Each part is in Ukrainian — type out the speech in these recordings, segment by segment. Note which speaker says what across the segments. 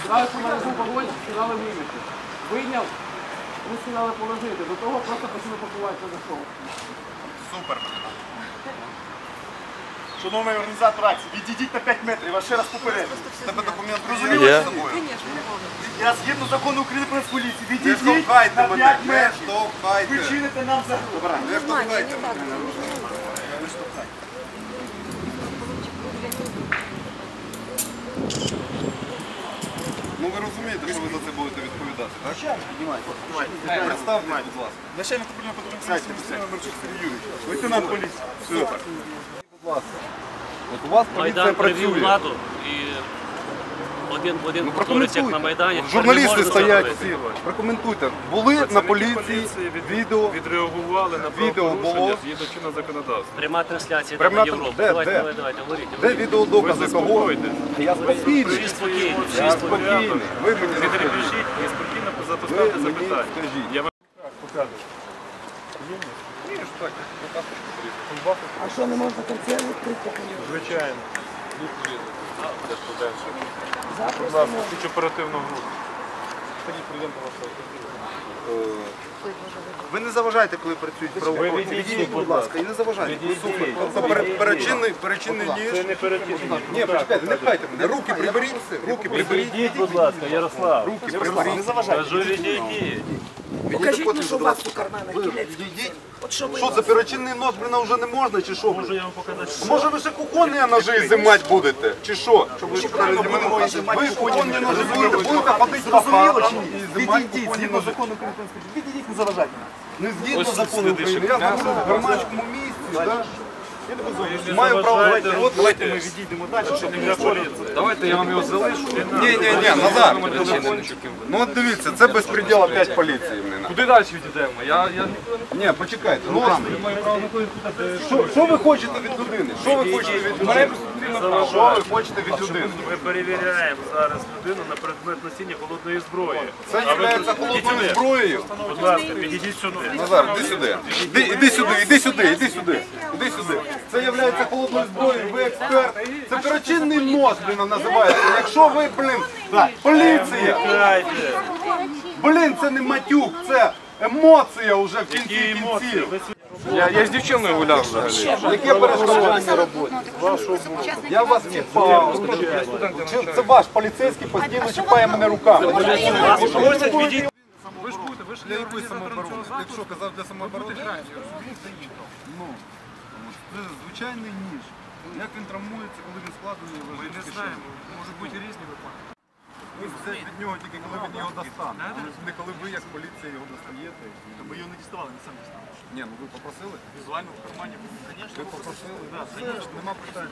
Speaker 1: Сказали, що в мене був вогонь, сказали вийняти. Вийняв, ми сказали положити. До того просто почали пакуватися за шоу.
Speaker 2: Супер. Шановний організатор акції, відійдіть на 5 метрів, я вас ще раз попереджу. Тебе документ розуміли з собою? Я згідно закону України про Нацполіцію, відійдіть на 5 метрів. Ви чините нам загрозу. Не штовхайте мене. Не штовхайте. Ну ви розумієте, що ви за це будете відповідати, так? Представте, будь ласка. Начальник управління патрульної поліції Мерчук Сергій Юрійович. Лейтенант поліції. Супер. Будь ласка. От у вас поліція
Speaker 3: Майдан
Speaker 2: працює.
Speaker 3: привів владу і один в один повторить, як на Майдані.
Speaker 2: Журналісти стоять всі. Прокоментуйте. Були на поліції відео.
Speaker 4: Відреагували на правопорушення згідно чинного законодавства.
Speaker 3: Пряма трансляція
Speaker 2: Пряма
Speaker 3: на Європу.
Speaker 2: де?
Speaker 3: Давайте,
Speaker 2: Де?
Speaker 3: давайте, говоріть.
Speaker 2: Де відеодокази кого? Я спокійний.
Speaker 3: Всі спокійні, всі
Speaker 2: Я
Speaker 3: спокійні.
Speaker 2: спокійний. Ви мені
Speaker 4: Не трепещіть і спокійно поставте запитання.
Speaker 2: скажіть.
Speaker 4: Я вам
Speaker 2: Показуй.
Speaker 1: А що, не можна концерт відкрити?
Speaker 4: звичайно. Будь ласка, хоч оперативну групу.
Speaker 2: Ви не заважайте, коли працюють правоохоронці. Відійдіть, будь ласка, і не заважайте. Супер. Тобто перечинний ніж.
Speaker 4: Це не перетягнути.
Speaker 2: Ні, почекайте, не пхайте мене. Руки приберіть. Руки приберіть.
Speaker 4: Відійдіть, будь ласка, Ярослав.
Speaker 2: Руки приберіть. Не заважайте.
Speaker 4: Кажу, відійдіть.
Speaker 1: Покажіть, ну, що у вас у карманах кінець.
Speaker 2: Відійдіть.
Speaker 1: От що ви
Speaker 2: Що, за перечинний нож, блін, вже не можна, чи що?
Speaker 4: Можу я вам показати.
Speaker 2: Може ви ще кухонні ножі зимати будете? Чи що? Ви кухонні ножі будете ходити по хатам і зимати кухонні ножі?
Speaker 1: Відійдіть, не заважайте.
Speaker 2: Не згідно закону України. Я знаходжусь в громадському місці, так? Маю право говорити. От давайте ми відійдемо далі, щоб не для поліції.
Speaker 5: Давайте я вам його залишу.
Speaker 2: Ні, Назар. Ну от дивіться, це безпреділ опять поліції.
Speaker 5: Куди далі відійдемо? Я
Speaker 2: Ні, почекайте. Ну, що ви хочете від людини? Що ви хочете від людини? Що ви хочете від людини?
Speaker 4: Ми перевіряємо зараз людину на предмет носіння холодної зброї.
Speaker 2: Це є холодною зброєю.
Speaker 4: Будь ласка, підійдіть сюди.
Speaker 2: Назар, іди сюди. Іди сюди. Це є холодною зброєю, ви експерт. Це перечинний нож, блін, називається. Якщо ви, поліція. Блін, це не матюк, це емоція вже в кінці кінців.
Speaker 5: я з дівчиною гуляв взагалі.
Speaker 2: Яке перешкоджання роботи? Я вас чіпав. Це ваш поліцейський постійно чіпає мене руками.
Speaker 4: Ви ж будете, ви ж
Speaker 2: Для якої самооборони? Якщо казав для самооборони? Ну, це звичайний ніж. Як він травмується, коли він складений?
Speaker 4: Ми не знаємо, можуть бути різні випадки.
Speaker 2: Ви все від нього тільки коли він його достане. Не коли ви як поліція його достаєте.
Speaker 4: Ми його не діставали, ми самі діставали.
Speaker 2: Ні, ну ви попросили?
Speaker 4: Візуально в кармані. Звісно,
Speaker 2: Ви попросили? Так, звісно, нема питань.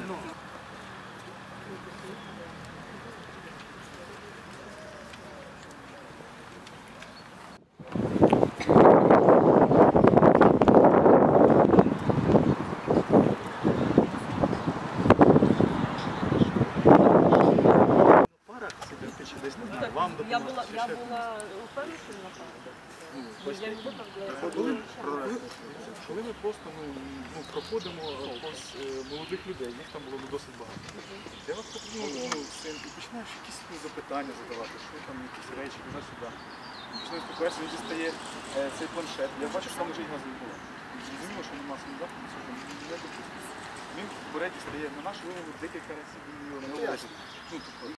Speaker 6: Я була впевнена, що не напала.
Speaker 4: Коли ми просто проходимо повз молодих людей, їх там було досить багато. Я вас і починаєш якісь запитання задавати, що там якісь речі, туди-сюди. Починаю спілкуватися, він дістає цей планшет. Я бачу, що там лежить газовий балон. Зрозуміло, що нема сміття, він бере, дістає на нашу вимогу декілька разів, він його не лежить.